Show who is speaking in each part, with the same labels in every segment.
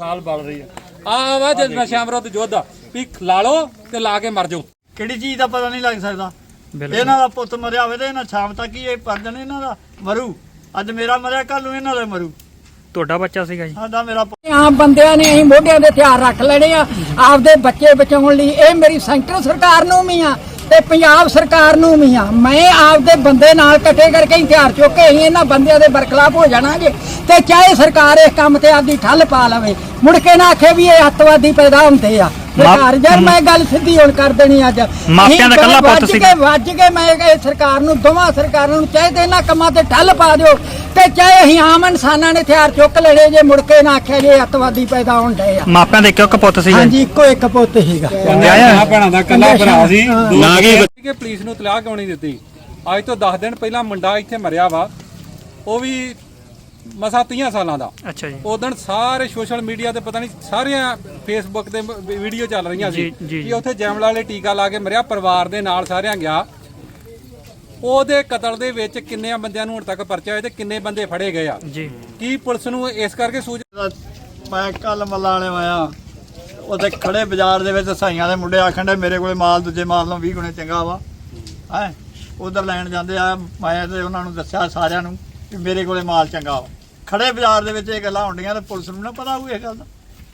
Speaker 1: ਸਾਲ ਬਲ ਰਹੀ ਆ ਵਾ ਜੇ ਨਸ਼ਿਆਂ ਵਿਰੁੱਧ ਯੁੱਧ ਵੀ ਲਾ ਲਓ ਤੇ ਲਾ ਕੇ ਮਰ ਜਾਓ।
Speaker 2: ਕਿਹੜੀ ਚੀਜ਼ ਦਾ ਪਤਾ ਨਹੀਂ ਲੱਗ ਸਕਦਾ। ਇਹਨਾਂ ਦਾ ਪੁੱਤ ਮਰਿਆ ਹੋਵੇ ਤੇ ਇਹਨਾਂ ਸ਼ਾਮ ਤੱਕ ਹੀ ਇਹ ਪਰਜਣ ਇਹਨਾਂ ਦਾ ਮਰੂ। ਅੱਜ ਮੇਰਾ ਮਰਿਆ, ਕੱਲ ਨੂੰ ਇਹਨਾਂ ਦਾ ਮਰੂ।
Speaker 3: ਤੁਹਾਡਾ ਬੱਚਾ ਸੀਗਾ ਜੀ?
Speaker 2: ਸਾਡਾ ਮੇਰਾ
Speaker 4: ਆਮ ਬੰਦਿਆਂ ਨੇ ਅਸੀਂ ਮੋਢਿਆਂ ਦੇ ਹਥਿਆਰ ਰੱਖ ਲੈਣੇ ਆ ਆਪਦੇ ਬੱਚੇ ਬਚਾਉਣ ਲਈ। ਇਹ ਮੇਰੀ ਸੈਂਟਰ ਸਰਕਾਰ ਨੂੰ ਵੀ ਆ ਤੇ ਪੰਜਾਬ ਸਰਕਾਰ ਨੂੰ ਵੀ ਆ। ਮੈਂ ਆਪਦੇ ਬੰਦੇ ਨਾਲ ਇਕੱਠੇ ਕਰਕੇ ਹਥਿਆਰ ਚੁੱਕ ਕੇ ਅਸੀਂ ਇਹਨਾਂ ਬੰਦਿਆਂ ਦੇ ਬਰਖਲਾਫ ਹੋ ਜਾਣਾਗੇ ਤੇ ਚਾਹੇ ਸਰਕਾਰ ਇਸ ਕੰਮ ਤੇ ਆਪਦੀ ਠੱਲ ਪਾ ਲਵੇ, ਮੁੜ ਕੇ ਨਾ ਆਖੇ ਵੀ ਇਹ ਅੱਤਵਾਦੀ ਪੈਦਾ ਹੁੰਦੇ ਆ। ਸਰਕਾਰ ਯਾਰ ਮੈਂ ਗੱਲ ਸਿੱਧੀ ਹੁਣ ਕਰ ਦੇਣੀ ਅੱਜ।
Speaker 3: ਮਾਪਿਆਂ ਦਾ ਕੱਲਾ ਪੁੱਤ ਸੀ।
Speaker 4: ਵੱਜ ਕੇ ਮੈਂ ਇਹ ਸਰਕਾਰ ਨੂੰ, ਦੋਵਾਂ ਸਰਕਾਰਾਂ ਨੂੰ ਚਾਹੇ ਤੇ ਇਹਨਾਂ ਕੰਮਾਂ ਤੇ ਠੱਲ ਪਾ ਦਿਓ ਤੇ ਚਾਹੇ ਅਸੀਂ ਆਮ ਇਨਸਾਨਾਂ ਨੇ ਹਥਿਆਰ ਚੁੱਕ ਲੈਣੇ ਜੇ ਮੁੜ ਕੇ ਨਾ ਆਖਿਆ ਜੇ ਅੱਤਵਾਦੀ ਪੈਦਾ ਹੋਣ ਡਏ ਆ।
Speaker 3: ਮਾਪਿਆਂ ਦੇ ਇੱਕ ਪੁੱਤ ਸੀ?
Speaker 4: ਹਾਂਜੀ, ਇੱਕੋ ਇੱਕ ਪੁੱਤ ਸੀਗਾ।
Speaker 1: ਭੈਣਾਂ ਦਾ ਕੱਲਾ ਭਰਾ ਸੀ। ਕਿ ਪੁਲਿਸ ਨੂੰ ਤਲਾਹ ਕਿਉਂ ਨਹੀਂ ਦਿੱਤੀ? ਅੱਜ ਤੋਂ 10 ਦਿਨ ਪਹਿਲਾਂ ਮੁੰਡਾ ਇੱਥੇ ਮਰਿਆ ਵਾ, ਉਹ ਵੀ ਮਸਾ 30 ਸਾਲਾਂ ਦਾ।
Speaker 3: ਅੱਛਾ ਜੀ।
Speaker 1: ਉਦੋਂ ਸਾਰੇ ਸੋਸ਼ਲ ਮੀਡੀਆ ਤੇ ਪਤਾ ਨਹੀਂ ਸਾਰੀਆਂ ਫੇਸਬੁੱਕ ਤੇ ਵੀਡੀਓ ਚੱਲ ਰਹੀਆਂ ਸੀ ਕਿ ਉੱਥੇ ਜੈਮਲਾ ਵਾਲੇ ਟੀਕਾ ਲਾ ਕੇ ਮਰਿਆ, ਪਰਿਵਾਰ ਦੇ ਨਾਲ ਸਾਰਿਆਂ ਗਿਆ। ਉਹਦੇ ਕਤਲ ਦੇ ਵਿੱਚ ਕਿੰਨੇ ਬੰਦਿਆਂ ਨੂੰ ਹੁਣ ਤੱਕ ਪਰਚਾ ਹੋਇਆ ਤੇ ਕਿੰਨੇ ਬੰਦੇ ਫੜੇ ਗਏ ਆ
Speaker 3: ਜੀ?
Speaker 1: ਕੀ ਪੁਲਿਸ ਨੂੰ ਇਸ ਕਰਕੇ ਸੂਚਨਾ?
Speaker 2: ਮੈਂ ਕੱਲ ਮੱਲਾਂ ਵਾਲੇ ਆਇਆ, ਉਹਦੇ ਖੜੇ ਬਾਜ਼ਾਰ ਦੇ ਵਿੱਚ ਸਾਈਆਂ ਦੇ ਮੁੰਡੇ ਆਖਣ ਦੇ ਮੇਰੇ ਕੋਲੇ ਮਾਲ ਦੂਜੇ ਮਾਲ ਨਾਲੋਂ 20 ਗੁਣੇ ਚੰਗਾ ਵਾ। ਹੈ ਉਧਰ ਲੈਣ ਜਾਂਦੇ ਆ, ਮੈਂ ਤੇ ਉਹਨਾਂ ਨੂੰ ਦੱਸਿਆ ਸਾਰਿਆਂ ਨੂੰ ਕਿ ਮੇਰੇ ਕੋਲੇ ਮਾਲ ਚੰਗਾ ਵਾ। ਖੜੇ ਬਾਜ਼ਾਰ ਦੇ ਵਿੱਚ ਇਹ ਗੱਲਾਂ ਹੁੰਦੀਆਂ ਤੇ ਪੁਲਿਸ ਨੂੰ ਨਾ ਪਤਾ ਹੋਊ ਇਹ ਗੱਲ ਦਾ।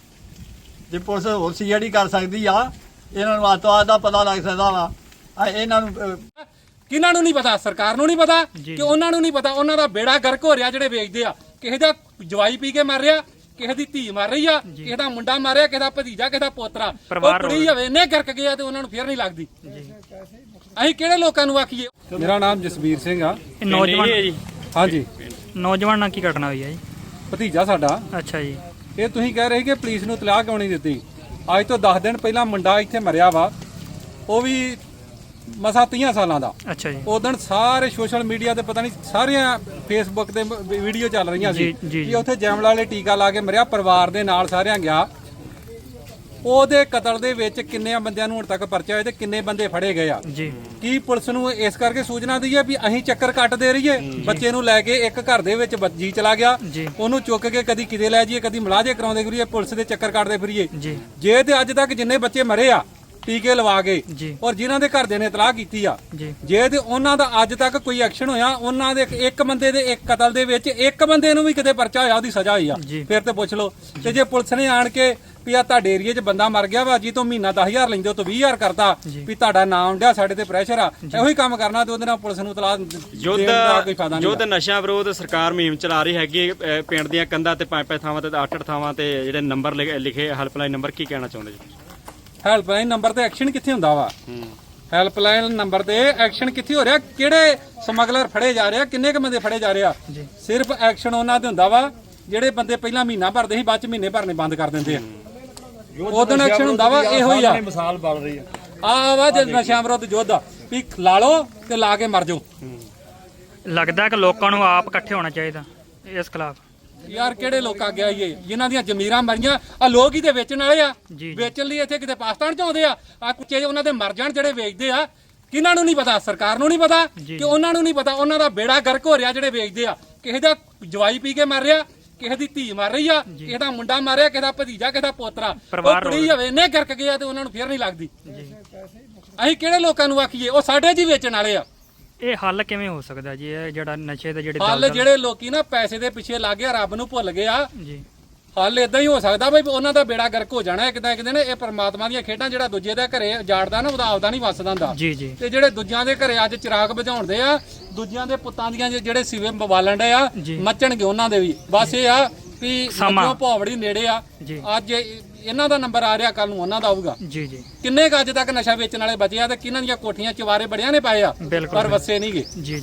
Speaker 2: ਜੇ ਪੁਲਿਸ ਹੋਰ ਸੀਆਈਡੀ ਕਰ ਸਕਦੀ ਆ, ਇਹਨਾਂ ਨੂੰ ਅੱਤਵਾਦ ਦਾ ਪਤਾ ਲੱਗ ਸਕਦਾ ਵਾ। ਇਹਨਾਂ ਨੂੰ
Speaker 1: ਕਿਹਨਾਂ ਨੂੰ ਨਹੀਂ ਪਤਾ? ਸਰਕਾਰ ਨੂੰ ਨਹੀਂ ਪਤਾ ਕਿ ਉਹਨਾਂ ਨੂੰ ਨਹੀਂ ਪਤਾ? ਉਹਨਾਂ ਦਾ ਬੇੜਾ ਗਰਕ ਹੋ ਰਿਹਾ ਜਿਹੜੇ ਵੇਚਦੇ ਆ। ਕਿਸੇ ਦਾ ਜਵਾਈ ਪੀ ਕੇ ਮਰ ਰਿਹਾ, ਕਿਸੇ ਦੀ ਧੀ ਮਰ ਰਹੀ ਆ, ਕਿਸੇ ਦਾ ਮੁੰਡਾ ਮਾਰਿਆ, ਕਿਸੇ ਦਾ ਭਤੀਜਾ, ਕਿਸੇ ਦਾ ਪੋਤਰਾ। ਉਹ ਕੁੜੀ ਹੋਵੇ ਨੇ ਗਰਕ ਗਿਆ ਤੇ ਉਹਨਾਂ ਨੂੰ ਫੇਰ ਨਹੀਂ ਲੱਗਦੀ। ਅਸੀਂ ਕਿਹੜੇ ਲੋਕਾਂ ਨੂੰ ਆਖੀਏ? ਮੇਰਾ ਨਾਮ ਜਸਵੀਰ ਸਿੰਘ ਆ।
Speaker 3: ਨੌਜਵਾਨ?
Speaker 1: ਹਾਂਜੀ।
Speaker 3: ਨੌਜਵਾਨ ਨਾਲ ਕੀ ਘਟਨਾ ਹੋਈ ਹੈ ਜੀ?
Speaker 1: ਭਤੀਜਾ ਸਾਡਾ।
Speaker 3: ਅੱਛਾ ਜੀ।
Speaker 1: ਇਹ ਤੁਸੀਂ ਕਹਿ ਰਹੇ ਕਿ ਪੁਲਿਸ ਨੂੰ ਤਲਾਹ ਕਿਉਂ ਨਹੀਂ ਦਿੱਤੀ? ਅੱਜ ਤੋਂ 10 ਦਿਨ ਪਹਿਲਾਂ ਮੁੰਡਾ ਇੱਥੇ ਮਰਿਆ ਵਾ, ਉਹ ਵੀ ਮਸਾ 30 ਸਾਲਾਂ ਦਾ।
Speaker 3: ਅੱਛਾ ਜੀ।
Speaker 1: ਉਦੋਂ ਸਾਰੇ ਸੋਸ਼ਲ ਮੀਡੀਆ ਤੇ ਪਤਾ ਨਹੀਂ ਸਾਰੀਆਂ ਫੇਸਬੁੱਕ ਤੇ ਵੀਡੀਓ ਚੱਲ ਰਹੀਆਂ ਸੀ ਕਿ ਉੱਥੇ ਜੈਮਲਾ ਵਾਲੇ ਟੀਕਾ ਲਾ ਕੇ ਮਰਿਆ, ਪਰਿਵਾਰ ਦੇ ਨਾਲ ਸਾਰਿਆਂ ਗਿਆ। ਉਹਦੇ ਕਤਲ ਦੇ ਵਿੱਚ ਕਿੰਨੇ ਬੰਦਿਆਂ ਨੂੰ ਹੁਣ ਤੱਕ ਪਰਚਾ ਹੋਇਆ ਤੇ ਕਿੰਨੇ ਬੰਦੇ ਫੜੇ ਗਏ ਆ
Speaker 3: ਜੀ?
Speaker 1: ਕੀ ਪੁਲਿਸ ਨੂੰ ਇਸ ਕਰਕੇ ਸੂਚਨਾ ਦਈਏ ਵੀ ਅਸੀਂ ਚੱਕਰ ਕੱਟ ਦੇ ਰਹੀਏ? ਬੱਚੇ ਨੂੰ ਲੈ ਕੇ ਇੱਕ ਘਰ ਦੇ ਵਿੱਚ ਜੀ ਚਲਾ ਗਿਆ, ਉਹਨੂੰ ਚੁੱਕ ਕੇ ਕਦੀ ਕਿਤੇ ਲੈ ਜਾਈਏ, ਕਦੀ ਮੁਲਾਜ਼ੇ ਕਰਾਉਂਦੇ ਫਿਰੀਏ, ਪੁਲਿਸ ਦੇ ਚੱਕਰ ਕੱਟਦੇ ਫਿਰੀਏ। ਜੇ ਤੇ ਅੱਜ ਤੱਕ ਜਿੰਨੇ ਬੱਚੇ ਮਰੇ ਆ ਟੀਕੇ ਲਵਾ ਕੇ ਔਰ ਜਿਨ੍ਹਾਂ ਦੇ ਘਰਦਿਆਂ ਨੇ ਇਤਲਾਹ ਕੀਤੀ ਆ, ਜੇ ਤੇ ਉਹਨਾਂ ਦਾ ਅੱਜ ਤੱਕ ਕੋਈ ਐਕਸ਼ਨ ਹੋਇਆ, ਉਹਨਾਂ ਦੇ ਇੱਕ ਬੰਦੇ ਦੇ ਇੱਕ ਕਤਲ ਦੇ ਵਿੱਚ ਇੱਕ ਬੰਦੇ ਨੂੰ ਵੀ ਕਿਤੇ ਪਰਚਾ ਹੋਇਆ, ਉਹਦੀ ਸਜ਼ਾ ਹੋਈ ਆ, ਫਿਰ ਤੇ ਪੁੱਛ ਲਓ। ਤੇ ਜੇ ਪੁਲਿਸ ਨੇ ਆਣ ਕੇ ਵੀ ਆ ਤੁਹਾਡੇ ਏਰੀਏ 'ਚ ਬੰਦਾ ਮਰ ਗਿਆ ਵਾ ਜੀ, ਤੋਂ ਮਹੀਨਾ 10,000 ਲੈਂਦੇ ਹੋ ਤੋਂ 20,000 ਕਰਤਾ ਵੀ ਤੁਹਾਡਾ ਨਾਮ ਡਿਆ, ਸਾਡੇ ਤੇ ਪ੍ਰੈਸ਼ਰ ਆ, ਇਹੋ ਹੀ ਕੰਮ ਕਰਨਾ ਤੇ ਉਹਦੇ ਨਾਲ ਪੁਲਿਸ ਨੂੰ ਇਤਲਾਹ ਦੇਣ ਦਾ ਕੋਈ ਫਾਇਦਾ ਨਹੀਂ।
Speaker 5: ਯੁੱਧ ਨਸ਼ਿਆਂ ਵਿਰੋਧ ਸਰਕਾਰ ਮੁਹਿੰਮ ਚਲਾ ਰਹੀ ਹੈਗੀ ਪਿੰਡ ਦੀਆਂ ਕੰਧਾਂ ਤੇ 5-5 ਥਾਵਾਂ ਤੇ 8-8 ਥਾਵਾਂ ਤੇ ਜਿਹੜੇ ਨੰਬਰ ਲਿਖੇ ਹੈਲਪਲਾਈਨ ਨੰਬਰ, ਕੀ ਕਹਿਣਾ ਚਾਹੁੰਦੇ ਜੀ?
Speaker 1: ਹੈਲਪਲਾਈਨ ਨੰਬਰ ਤੇ ਐਕਸ਼ਨ ਕਿੱਥੇ ਹੁੰਦਾ ਵਾ? ਹੈਲਪਲਾਈਨ ਨੰਬਰ ਤੇ ਐਕਸ਼ਨ ਕਿੱਥੇ ਹੋ ਰਿਹਾ? ਕਿਹੜੇ ਸਮਗਲਰ ਫੜੇ ਜਾ ਰਹੇ ਆ? ਕਿੰਨੇ ਕ ਬੰਦੇ ਫੜੇ ਜਾ ਰਹੇ ਆ? ਸਿਰਫ ਐਕਸ਼ਨ ਉਹਨਾਂ ਤੇ ਹੁੰਦਾ ਵਾ ਜਿਹੜੇ ਬੰਦੇ ਪਹਿਲਾਂ ਮਹੀਨਾ ਭਰਦੇ ਸੀ, ਬਾਅਦ ਚ ਮਹੀਨੇ ਭਰਨੇ ਬੰਦ ਕਰ ਦਿੰਦੇ ਆ। ਉਦੋਂ ਐਕਸ਼ਨ ਹੁੰਦਾ ਵਾ ਇਹੋ ਹੀ ਆ।
Speaker 2: ਮਿਸਾਲ ਬਣ ਰਹੀ
Speaker 1: ਆ ਵਾ ਜੇ ਨਸ਼ਿਆਂ ਵਿਰੁੱਧ ਯੁੱਧ ਵੀ ਲਾ ਲਓ ਤੇ ਲਾ ਕੇ ਮਰ ਜਾਓ।
Speaker 3: ਲੱਗਦਾ ਕਿ ਲੋਕਾਂ ਨੂੰ ਆਪ ਇਕੱਠੇ ਹੋਣਾ ਚਾਹੀਦਾ ਇਸ ਖਿਲਾਫ।
Speaker 1: ਯਾਰ ਕਿਹੜੇ ਲੋਕ ਆ ਗਿਆ ਇਹ ਜਿਨ੍ਹਾਂ ਦੀਆਂ ਜ਼ਮੀਰਾਂ ਮਰੀਆਂ ਆ? ਲੋਕ ਹੀ ਤੇ ਵੇਚਣ ਵਾਲੇ ਆ। ਵੇਚਣ ਲਈ ਇੱਥੇ ਕਿਤੇ ਪਾਕਿਸਤਾਨ ਚ ਆਉਂਦੇ ਆ ਕੁੱਚੇ ਉਹਨਾਂ ਦੇ ਮਰ ਜਾਣ ਜਿਹੜੇ ਵੇਚਦੇ ਆ। ਕਿਹਨਾਂ ਨੂੰ ਨਹੀਂ ਪਤਾ? ਸਰਕਾਰ ਨੂੰ ਨਹੀਂ ਪਤਾ ਕਿ ਉਹਨਾਂ ਨੂੰ ਨਹੀਂ ਪਤਾ? ਉਹਨਾਂ ਦਾ ਬੇੜਾ ਗਰਕ ਹੋ ਰਿਹਾ ਜਿਹੜੇ ਵੇਚਦੇ ਆ। ਕਿਸੇ ਦਾ ਜਵਾਈ ਪੀ ਕੇ ਮਰ ਰਿਹਾ, ਕਿਸੇ ਦੀ ਧੀ ਮਰ ਰਹੀ ਆ, ਕਿਸੇ ਦਾ ਮੁੰਡਾ ਮਾਰਿਆ, ਕਿਸੇ ਦਾ ਭਤੀਜਾ, ਕਿਸੇ ਦਾ ਪੋਤਰਾ। ਉਹ ਕੁੜੀ ਹੋਵੇ ਨੇ ਗਰਕ ਗਿਆ ਤੇ ਉਹਨਾਂ ਨੂੰ ਫੇਰ ਨਹੀਂ ਲੱਗਦੀ। ਅਸੀਂ ਕਿਹੜੇ ਲੋਕਾਂ ਨੂੰ ਆਖੀਏ? ਉਹ ਸਾਡੇ ਜੀ ਵੇਚਣ ਵਾਲੇ ਆ।
Speaker 3: ਇਹ ਹੱਲ ਕਿਵੇਂ ਹੋ ਸਕਦਾ ਜੀ? ਇਹ ਜਿਹੜਾ ਨਸ਼ੇ ਦਾ
Speaker 1: ਹੱਲ ਜਿਹੜੇ ਲੋਕੀ ਨਾ ਪੈਸੇ ਦੇ ਪਿੱਛੇ ਲੱਗ ਗਿਆ, ਰੱਬ ਨੂੰ ਭੁੱਲ ਗਿਆ ਜੀ। ਹੱਲ ਇਦਾਂ ਹੀ ਹੋ ਸਕਦਾ ਬਈ ਉਹਨਾਂ ਦਾ ਬੇੜਾ ਗਰਕ ਹੋ ਜਾਣਾ ਇੱਕ ਦਿਨ। ਇਹ ਪਰਮਾਤਮਾ ਦੀਆਂ ਖੇਡਾਂ, ਜਿਹੜਾ ਦੂਜੇ ਦੇ ਘਰੇ ਜਾੜਦਾ ਨਾ ਉਹਦਾ ਆਪਦਾ ਨਹੀਂ ਵੱਸਦਾ ਹੁੰਦਾ। ਤੇ ਜਿਹੜੇ ਦੂਜਿਆਂ ਦੇ ਘਰੇ ਅੱਜ ਚਿਰਾਗ ਬੁਝਾਉਂਦੇ ਆ, ਦੂਜਿਆਂ ਦੇ ਪੁੱਤਾਂ ਦੀਆਂ ਜਿਹੜੇ ਸਿਵੇ ਬਾਲਣ ਡੇ ਆ, ਮੱਚਣਗੇ ਉਹਨਾਂ ਦੇ ਵੀ। ਬਸ ਇਹ ਆ ਵੀ ਮੱਝੋਂ ਭੌਵੜੀ ਨੇੜੇ ਆ। ਅੱਜ ਇਹਨਾਂ ਦਾ ਨੰਬਰ ਆ ਰਿਹਾ, ਕੱਲ ਨੂੰ ਉਹਨਾਂ ਦਾ ਆਊਗਾ। ਕਿੰਨੇ ਕੁ ਅੱਜ ਤੱਕ ਨਸ਼ਾ ਵੇਚਣ ਵਾਲੇ ਬਚੇ ਆ ਤੇ ਕਿਹਨਾਂ ਦੀਆਂ ਕੋਠੀਆਂ ਚਵਾਰੇ ਬੜਿਆਂ ਨੇ ਪਾਏ ਆ, ਪਰ ਵਸੇ ਨਹੀਂਗੇ।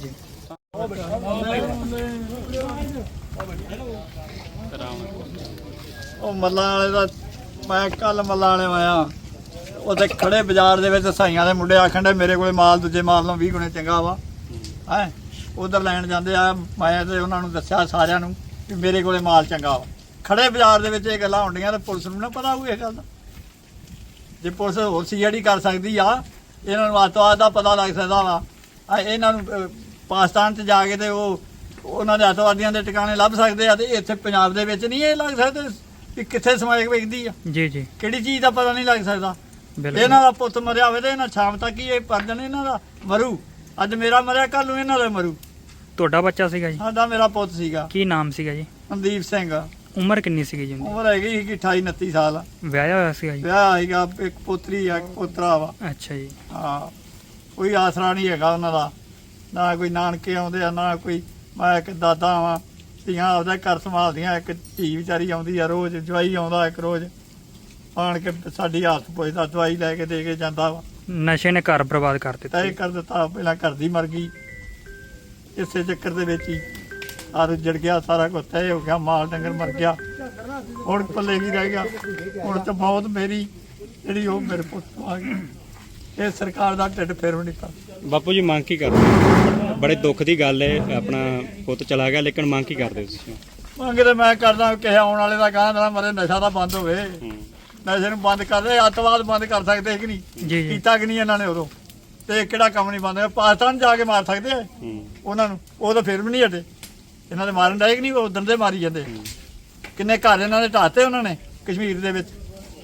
Speaker 2: ਉਹ ਮੱਲਾਂ ਵਾਲੇ ਦਾ ਮੈਂ ਕੱਲ ਮੱਲਾਂ ਵਾਲੇ ਆਇਆ, ਉਹਦੇ ਖੜੇ ਬਾਜ਼ਾਰ ਦੇ ਵਿੱਚ ਸਾਈਆਂ ਦੇ ਮੁੰਡੇ ਆਖਣ ਦੇ ਮੇਰੇ ਕੋਲੇ ਮਾਲ ਦੂਜੇ ਮਾਲ ਨਾਲੋਂ 20 ਗੁਣੇ ਚੰਗਾ ਵਾ। ਹੈ ਉਧਰ ਲੈਣ ਜਾਂਦੇ ਆ, ਮੈਂ ਤੇ ਉਹਨਾਂ ਨੂੰ ਦੱਸਿਆ ਸਾਰਿਆਂ ਨੂੰ ਕਿ ਮੇਰੇ ਕੋਲੇ ਮਾਲ ਚੰਗਾ ਵਾ। ਖੜੇ ਬਾਜ਼ਾਰ ਦੇ ਵਿੱਚ ਇਹ ਗੱਲਾਂ ਹੁੰਦੀਆਂ ਤੇ ਪੁਲਿਸ ਨੂੰ ਨਾ ਪਤਾ ਹੋਊ ਇਹ ਗੱਲ ਦਾ। ਜੇ ਪੁਲਿਸ ਹੋਰ ਸੀਆਈਡੀ ਕਰ ਸਕਦੀ ਆ, ਇਹਨਾਂ ਨੂੰ ਅੱਤਵਾਦ ਦਾ ਪਤਾ ਲੱਗ ਸਕਦਾ ਵਾ। ਇਹਨਾਂ ਨੂੰ ਪਾਕਿਸਤਾਨ 'ਚ ਜਾ ਕੇ ਤੇ ਉਹਨਾਂ ਦੇ ਅੱਤਵਾਦੀਆਂ ਦੇ ਟਿਕਾਣੇ ਲੱਭ ਸਕਦੇ ਆ ਤੇ ਇੱਥੇ ਪੰਜਾਬ ਦੇ ਵਿੱਚ ਨਹੀਂ ਇਹ ਲੱਗ ਸਕਦੇ। ਕਿ ਕਿੱਥੇ ਸਮਾਇਕ ਵੇਖਦੀ ਆ,
Speaker 3: ਜੀ ਜੀ
Speaker 2: ਕਿਹੜੀ ਚੀਜ਼ ਦਾ ਪਤਾ ਨਹੀਂ ਲੱਗ ਸਕਦਾ।
Speaker 3: ਬਿਲਕੁਲ
Speaker 2: ਇਹਨਾਂ ਦਾ ਪੁੱਤ ਮਰਿਆ ਹੋਵੇ ਤੇ ਇਹਨਾਂ ਸ਼ਾਮ ਤੱਕ ਹੀ ਇਹ ਪਰਜਣ ਇਹਨਾਂ ਦਾ ਮਰੂ। ਅੱਜ ਮੇਰਾ ਮਰਿਆ, ਕੱਲ ਨੂੰ ਇਹਨਾਂ ਦਾ ਮਰੂ।
Speaker 3: ਤੁਹਾਡਾ ਬੱਚਾ ਸੀਗਾ ਜੀ?
Speaker 2: ਸਾਡਾ ਮੇਰਾ ਪੁੱਤ ਸੀਗਾ
Speaker 3: ਕੀ ਨਾਮ ਸੀਗਾ ਜੀ?
Speaker 2: ਮਨਦੀਪ ਸਿੰਘ।
Speaker 3: ਉਮਰ ਕਿੰਨੀ ਸੀਗੀ ਜੀ ਉਹਦੀ?
Speaker 2: ਉਮਰ ਹੈਗੀ ਸੀ 28 29 ਸਾਲ।
Speaker 3: ਵਿਆਹਿਆ ਹੋਇਆ ਸੀਗਾ ਜੀ?
Speaker 2: ਵਿਆਹ ਹੈਗਾ, ਇੱਕ ਪੁੱਤਰੀ ਆ, ਇੱਕ ਪੋਤਰਾ ਵਾ।
Speaker 3: ਅੱਛਾ ਜੀ।
Speaker 2: ਹਾਂ, ਕੋਈ ਆਸਰਾ ਨਹੀਂ ਹੈਗਾ ਉਹਨਾਂ ਦਾ, ਨਾ ਕੋਈ ਨਾਨਕੇ ਆਉਂਦੇ ਆ, ਨਾ ਕੋਈ। ਮੈਂ ਇੱਕ ਦਾਦਾ ਵਾਂ, ਧੀਆਂ ਆਪਦਾ ਘਰ ਸੰਭਾਲਦੀਆਂ। ਇੱਕ ਧੀ ਵਿਚਾਰੀ ਆਉਂਦੀ ਆ ਰੋਜ਼, ਜਵਾਈ ਆਉਂਦਾ ਇੱਕ ਰੋਜ਼ ਆਣ ਕੇ ਸਾਡੀ ਹਾਲਤ ਪੁੱਛਦਾ, ਦਵਾਈ ਲੈ ਕੇ ਦੇ ਕੇ ਜਾਂਦਾ ਵਾ।
Speaker 3: ਨਸ਼ੇ ਨੇ ਘਰ ਬਰਬਾਦ ਕਰ ਦਿੱਤਾ।
Speaker 2: ਤੈਅ ਕਰ ਦਿੱਤਾ, ਪਹਿਲਾਂ ਘਰ ਦੀ ਮਰ ਗਈ, ਇਸੇ ਚੱਕਰ ਦੇ ਵਿੱਚ ਹੀ ਆਰ ਜੜ ਗਿਆ, ਸਾਰਾ ਕੁਝ ਤੈਅ ਹੋ ਗਿਆ, ਮਾਲ ਡੰਗਰ ਮਰ ਗਿਆ। ਹੁਣ ਪੱਲੇ ਕੀ ਰਹਿ ਗਿਆ? ਹੁਣ ਤਾਂ ਬਹੁਤ ਮੇਰੀ ਜਿਹੜੀ ਉਹ ਮੇਰੇ ਪੁੱਤ ਤੋਂ ਆ ਗਈ। ਇਹ ਸਰਕਾਰ ਦਾ ਢਿੱਡ ਫੇਰ ਵੀ ਨਹੀਂ ਪਾ।
Speaker 5: ਬਾਪੂ ਜੀ ਮੰਗ ਕੀ ਕਰਦੇ? ਬੜੇ ਦੁੱਖ ਦੀ ਗੱਲ ਹੈ, ਆਪਣਾ ਪੁੱਤ ਚਲਾ ਗਿਆ, ਲੇਕਿਨ ਮੰਗ ਕੀ ਕਰਦੇ ਤੁਸੀਂ?
Speaker 2: ਮੰਗ ਤੇ ਮੈਂ ਕਰਦਾ ਕਿ ਆਉਣ ਵਾਲੇ ਦਾ ਗਾਂ ਦਾ ਮਰੇ, ਨਸ਼ਾ ਤਾਂ ਬੰਦ ਹੋਵੇ। ਨਸ਼ੇ ਨੂੰ ਬੰਦ ਕਰ ਦੇ, ਅੱਤਵਾਦ ਬੰਦ ਕਰ ਸਕਦੇ ਕਿ ਨਹੀਂ?
Speaker 3: ਜੀ ਜੀ।
Speaker 2: ਕੀਤਾ ਕਿ ਨਹੀਂ ਇਹਨਾਂ ਨੇ ਉਦੋਂ? ਤੇ ਕਿਹੜਾ ਕੰਮ ਨਹੀਂ ਬੰਦ? ਪਾਕਿਸਤਾਨ ਜਾ ਕੇ ਮਾਰ ਸਕਦੇ ਆ ਉਹਨਾਂ ਨੂੰ, ਉਹ ਤਾਂ ਫਿਰ ਵੀ ਨਹੀਂ ਹਟੇ। ਇਹਨਾਂ ਦੇ ਮਾਰਨ ਡਾਇਕ ਨਹੀਂ, ਉਹ ਦੰਦੇ ਮਾਰੀ ਜਾਂਦੇ। ਕਿੰਨੇ ਘਰ ਇਹਨਾਂ ਦੇ ਢਾਤੇ ਉਹਨਾਂ ਨੇ ਕਸ਼ਮੀਰ ਦੇ ਵਿੱਚ।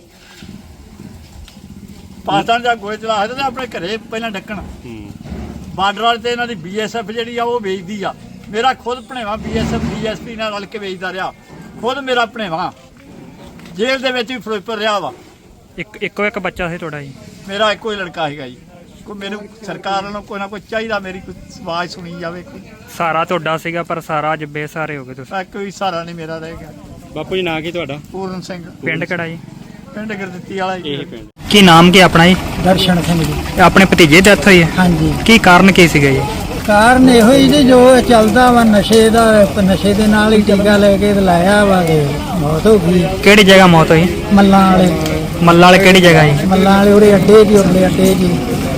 Speaker 2: ਪਾਕਿਸਤਾਨ ਜਾ ਗੋਏ ਚਲਾ ਤੇ ਆਪਣੇ ਘਰੇ ਪਹਿਲਾਂ ਡੱਕਣ। ਬਾਰਡਰ ਵਾਲੇ ਤੇ ਇਹਨਾਂ ਦੀ BSF ਜਿਹੜੀ ਆ ਉਹ ਵੇਚਦੀ ਆ। ਮੇਰਾ ਖੁਦ ਭਣੇਵਾ BSF DSP ਨਾਲ ਰਲ ਕੇ ਵੇਚਦਾ ਰਿਹਾ। ਖੁਦ ਮੇਰਾ ਭਣੇਵਾ ਜੇਲ੍ਹ ਦੇ ਵਿੱਚ ਵੀ ਫਿਰੋਜ਼ਪੁਰ ਰਿਹਾ ਵਾ।
Speaker 3: ਇੱਕੋ ਇੱਕ ਬੱਚਾ ਸੀ ਤੁਹਾਡਾ ਜੀ?
Speaker 2: ਮੇਰਾ ਇੱਕੋ ਹੀ ਲੜਕਾ ਹੈਗਾ ਜੀ। ਕੋਈ ਮੈਨੂੰ ਸਰਕਾਰ ਵੱਲੋਂ ਕੋਈ ਨਾ ਕੋਈ ਚਾਹੀਦਾ, ਮੇਰੀ ਕੋਈ ਆਵਾਜ਼ ਸੁਣੀ ਜਾਵੇ। ਕੋਈ
Speaker 3: ਸਾਰਾ ਤੁਹਾਡਾ ਸੀਗਾ, ਪਰ ਸਾਰਾ ਅੱਜ ਬੇਸਹਾਰੇ ਹੋ ਗਏ ਤੁਸੀਂ।
Speaker 2: ਕੋਈ ਸਹਾਰਾ ਨਹੀਂ ਮੇਰਾ ਰਹਿ ਗਿਆ।
Speaker 5: ਬਾਪੂ ਜੀ ਨਾਂ ਕੀ ਤੁਹਾਡਾ?
Speaker 2: ਪੂਰਨ ਸਿੰਘ,
Speaker 3: ਪਿੰਡ ਕਿਹੜਾ ਜੀ?
Speaker 2: ਪਿੰਡ ਗੁਰਦਿੱਤੀ ਵਾਲਾ ਜੀ।
Speaker 5: ਇਹ ਪਿੰਡ।
Speaker 3: ਕੀ ਨਾਮ ਕੀ ਆਪਣਾ ਜੀ?
Speaker 4: ਦਰਸ਼ਨ ਸਿੰਘ ਜੀ।
Speaker 3: ਆਪਣੇ ਭਤੀਜੇ ਦੀ ਡੈਥ ਹੋਈ ਹੈ?
Speaker 4: ਹਾਂਜੀ।
Speaker 3: ਕੀ ਕਾਰਨ ਕੀ ਸੀਗਾ ਜੀ?
Speaker 4: ਕਾਰਨ ਇਹੋ ਹੀ ਜੀ, ਜੋ ਚੱਲਦਾ ਵਾ ਨਸ਼ੇ ਦਾ, ਨਸ਼ੇ ਦੇ ਨਾਲ ਹੀ ਟੀਕਾ ਲੈ ਕੇ ਤੇ ਲਾਇਆ ਵਾ ਤੇ ਮੌਤ ਹੋ ਗਈ।
Speaker 3: ਕਿਹੜੀ ਜਗ੍ਹਾ ਮੌਤ ਹੋਈ?
Speaker 4: ਮੱਲਾਂ ਵਾਲੇ।
Speaker 3: ਮੱਲਾ ਵਾਲੇ ਕਿਹੜੀ ਜਗ੍ਹਾ ਜੀ?
Speaker 4: ਮੱਲਾਂ ਵਾਲੇ ਉਹਦੇ ਅੱਡੇ ਜੀ, ਉਹਦੇ ਅੱਡੇ ਜੀ,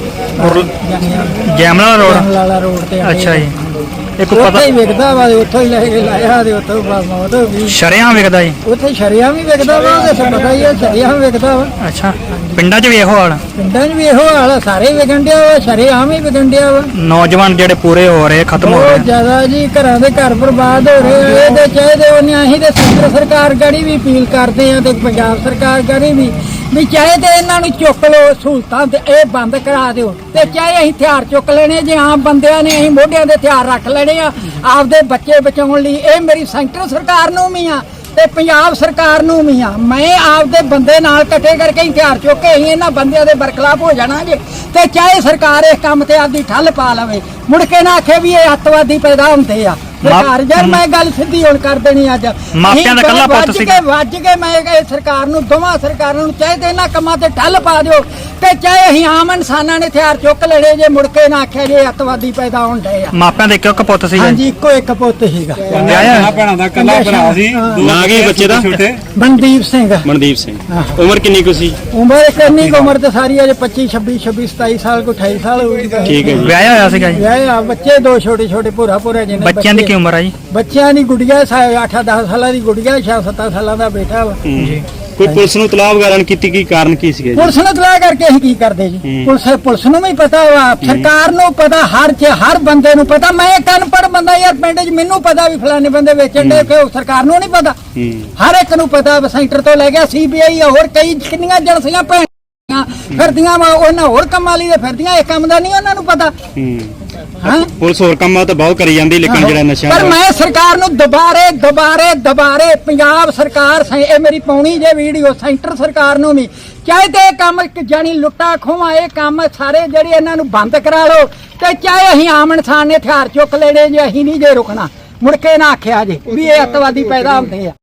Speaker 3: ਜੈਮਲਾ ਰੋਡ?
Speaker 4: ਵਾਲਾ ਰੋਡ ਤੇ ਅੱਡੇ।
Speaker 3: ਅੱਛਾ ਜੀ। ਇੱਕ
Speaker 4: ਉੱਥੇ
Speaker 3: ਪਤਾ
Speaker 4: ਹੀ ਵਿਕਦਾ ਵਾ, ਉੱਥੋਂ ਹੀ ਲੈ ਕੇ ਲਾਇਆ ਤੇ ਉੱਥੋਂ ਬਾਅਦ ਮੌਤ ਹੋ ਗਈ।
Speaker 3: ਸ਼ਰਿਆਂ ਵਿਕਦਾ ਜੀ?
Speaker 4: ਉੱਥੇ ਸ਼ਰਿਆਂ ਵੀ ਵਿਕਦਾ ਵਾ, ਉਹਦੇ ਪਤਾ ਹੀ ਹੈ, ਸ਼ਰਿਆਂ ਵਿਕਦਾ ਵਾ।
Speaker 3: ਅੱਛਾ, ਪਿੰਡਾਂ 'ਚ ਵੀ ਇਹੋ ਹਾਲ?
Speaker 4: ਪਿੰਡਾਂ 'ਚ ਵੀ ਇਹੋ ਹਾਲ ਆ, ਸਾਰੇ ਵਿਕਣ ਡਿਆ ਵਾ, ਸ਼ਰਿਆਂ ਵੀ ਵਿਕਣ ਡਿਆ ਵਾ।
Speaker 3: ਨੌਜਵਾਨ ਜਿਹੜੇ ਪੂਰੇ ਹੋ ਰਹੇ, ਖਤਮ ਹੋ
Speaker 4: ਬਹੁਤ
Speaker 3: ਰਹੇ।
Speaker 4: ਜ਼ਿਆਦਾ ਜੀ, ਘਰਾਂ ਦੇ ਘਰ ਬਰਬਾਦ ਹੋ ਰਹੇ ਆ। ਇਹਦੇ ਚਾਹੀਦੇ ਉਹਨੇ, ਅਸੀਂ ਤੇ ਕੇਂਦਰ ਸਰਕਾਰ ਗੜੀ ਵੀ ਅਪੀਲ ਕਰਦੇ ਆ ਤੇ ਪੰਜਾਬ ਸਰਕਾਰ ਗੜੀ ਵੀ ਚਾਹੇ ਤੇ ਇਹਨਾਂ ਨੂੰ ਚੁੱਕ ਲਓ, ਸਹੂਲਤਾਂ ਤੇ ਇਹ ਬੰਦ ਕਰਾ ਦਿਓ, ਤੇ ਚਾਹੇ ਅਸੀਂ ਹਥਿਆਰ ਚੁੱਕ ਲੈਣੇ, ਜੇ ਆਮ ਬੰਦਿਆਂ ਨੇ ਅਸੀਂ ਮੋਢਿਆਂ ਦੇ ਹਥਿਆਰ ਰੱਖ ਲੈਣੇ ਆ ਆਪਦੇ ਬੱਚੇ ਬਚਾਉਣ ਲਈ। ਇਹ ਮੇਰੀ ਸੈਂਟਰ ਸਰਕਾਰ ਨੂੰ ਵੀ ਆ ਤੇ ਪੰਜਾਬ ਸਰਕਾਰ ਨੂੰ ਵੀ ਆ। ਮੈਂ ਆਪਦੇ ਬੰਦੇ ਨਾਲ ਇਕੱਠੇ ਕਰਕੇ ਹਥਿਆਰ ਚੁੱਕ ਕੇ ਅਸੀਂ ਇਹਨਾਂ ਬੰਦਿਆਂ ਦੇ ਬਰਖਲਾਫ ਹੋ ਜਾਣਾ ਜੇ। ਤੇ ਚਾਹੇ ਸਰਕਾਰ ਇਸ ਕੰਮ ਤੇ ਆਪਦੀ ਠੱਲ ਪਾ ਲਵੇ, ਮੁੜ ਕੇ ਨਾ ਆਖੇ ਵੀ ਇਹ ਅੱਤਵਾਦੀ ਪੈਦਾ ਹੁੰਦੇ ਆ। ਸਰਕਾਰ ਯਾਰ, ਮੈਂ ਗੱਲ ਸਿੱਧੀ ਹੁਣ ਕਰ ਦੇਣੀ ਅੱਜ।
Speaker 3: ਮਾਪਿਆਂ ਦਾ ਇਕੱਲਾ ਪੁੱਤ ਸੀ।
Speaker 4: ਵੱਜ ਕੇ ਮੈਂ ਇਹ ਸਰਕਾਰ ਨੂੰ, ਦੋਵਾਂ ਸਰਕਾਰਾਂ ਨੂੰ ਚਾਹੇ ਤੇ ਇਹਨਾਂ ਕੰਮਾਂ ਤੇ ਠੱਲ ਪਾ ਦਿਓ, ਤੇ ਚਾਹੇ ਅਸੀਂ ਆਮ ਇਨਸਾਨਾਂ ਨੇ ਹਥਿਆਰ ਚੁੱਕ ਲੈਣੇ ਜੇ, ਮੁੜ ਕੇ ਨਾ ਆਖਿਆ ਜੇ ਅੱਤਵਾਦੀ ਪੈਦਾ ਹੁੰਦੇ ਆ।
Speaker 3: ਮਾਪਿਆਂ ਦੇ ਇੱਕ ਪੁੱਤ ਸੀ?
Speaker 4: ਹਾਂਜੀ, ਇੱਕੋ ਇੱਕ ਪੁੱਤ ਸੀਗਾ।
Speaker 1: ਭੈਣਾਂ ਦਾ ਇਕੱਲਾ ਭਰਾ ਸੀ।
Speaker 5: ਨਾਂ ਕੀ ਬੱਚੇ ਦਾ?
Speaker 4: ਮਨਦੀਪ ਸਿੰਘ।
Speaker 5: ਮਨਦੀਪ ਸਿੰਘ। ਉਮਰ ਕਿੰਨੀ ਕੁ ਸੀ?
Speaker 4: ਉਮਰ ਕਿੰਨੀ ਕੁ? ਉਮਰ ਤੇ ਸਾਰੀ ਅਜੇ 25 26 26 27 ਸਾਲ ਕੋ 28 ਸਾਲ ਹੋ ਗਈ।
Speaker 5: ਠੀਕ ਹੈ ਜੀ।
Speaker 3: ਵਿਆਹਿਆ ਹੋਇਆ ਸੀਗਾ ਜੀ?
Speaker 4: ਵਿਆਹਿਆ, ਬੱਚੇ ਦੋ ਛੋਟੇ ਛੋਟੇ ਭੂਰਾ ਜਿਹਨੇ।
Speaker 3: ਬੱਚਿਆਂ ਦੀ ਕੀ ਉਮਰ ਆ ਜੀ?
Speaker 4: ਬੱਚਿਆਂ ਦੀ ਗੁੜੀਆ 8-10 ਸਾਲਾਂ ਦੀ ਗੁੜੀਆ, 6-7 ਸਾਲਾਂ ਦਾ ਬੇਟਾ ਵਾ
Speaker 3: ਜੀ।
Speaker 5: ਕੋਈ ਪੁਲਿਸ ਨੂੰ ਤਲਾਬ ਵਗੈਰਾ ਕੀਤੀ? ਕੀ ਕਾਰਨ ਕੀ ਸੀਗਾ ਜੀ?
Speaker 4: ਪੁਲਿਸ ਨੂੰ ਤਲਾਹ ਕਰਕੇ ਅਸੀਂ ਕੀ ਕਰਦੇ ਜੀ? ਪੁਲਿਸ ਨੂੰ ਵੀ ਪਤਾ ਵਾ, ਸਰਕਾਰ ਨੂੰ ਪਤਾ, ਹਰ ਬੰਦੇ ਨੂੰ ਪਤਾ। ਮੈਂ ਇੱਕ ਅਨਪੜ੍ਹ ਬੰਦਾ ਯਾਰ, ਪਿੰਡ 'ਚ ਮੈਨੂੰ ਪਤਾ ਵੀ ਫਲਾਣੇ ਬੰਦੇ ਵੇਚਣ ਦੇ, ਕਿ ਸਰਕਾਰ ਨੂੰ ਨਹੀਂ ਪਤਾ? ਹਰ ਇੱਕ ਨੂੰ ਪਤਾ। ਸੈਂਟਰ ਤੋਂ ਲੈ ਗਿਆ CBI, ਹੋਰ ਕਈ ਕਿੰਨੀਆਂ ਏਜੰਸੀਆਂ ਭੈਣਾਂ ਫਿਰਦੀਆਂ ਵਾ, ਉਹਨਾਂ ਹੋਰ ਕੰਮਾਂ ਲਈ ਫਿਰਦੀਆਂ, ਇਹ ਕੰਮ ਦਾ ਨਹੀਂ ਉਹਨਾਂ ਨੂੰ ਪਤਾ।
Speaker 5: ਪੁਲਿਸ ਹੋਰ ਕੰਮਾਂ ਤਾਂ ਬਹੁਤ ਕਰੀ ਜਾਂਦੀ, ਲੇਕਿਨ ਜਿਹੜਾ ਨਸ਼ਾ,
Speaker 4: ਪਰ ਮੈਂ ਸਰਕਾਰ ਨੂੰ ਦੁਬਾਰੇ ਪੰਜਾਬ ਸਰਕਾਰ, ਇਹ ਮੇਰੀ ਪਾਉਣੀ ਜੇ ਵੀਡੀਓ, ਸੈਂਟਰ ਸਰਕਾਰ ਨੂੰ ਵੀ ਚਾਹੇ ਤੇ ਇਹ ਕੰਮ ਜਾਨੀ ਲੁੱਟਾ ਖੋਹਾਂ, ਇਹ ਕੰਮ ਸਾਰੇ ਜਿਹੜੇ ਇਹਨਾਂ ਨੂੰ ਬੰਦ ਕਰਾ ਲਓ, ਤੇ ਚਾਹੇ ਅਸੀਂ ਆਮ ਇਨਸਾਨ ਨੇ ਹਥਿਆਰ ਚੁੱਕ ਲੈਣੇ ਜੇ, ਅਸੀਂ ਨਹੀਂ ਜੇ ਰੁਕਣਾ। ਮੁੜ ਕੇ ਨਾ ਆਖਿਆ ਜੇ ਵੀ ਇਹ ਅੱਤਵਾਦੀ ਪੈਦਾ ਹੁੰਦੇ ਆ।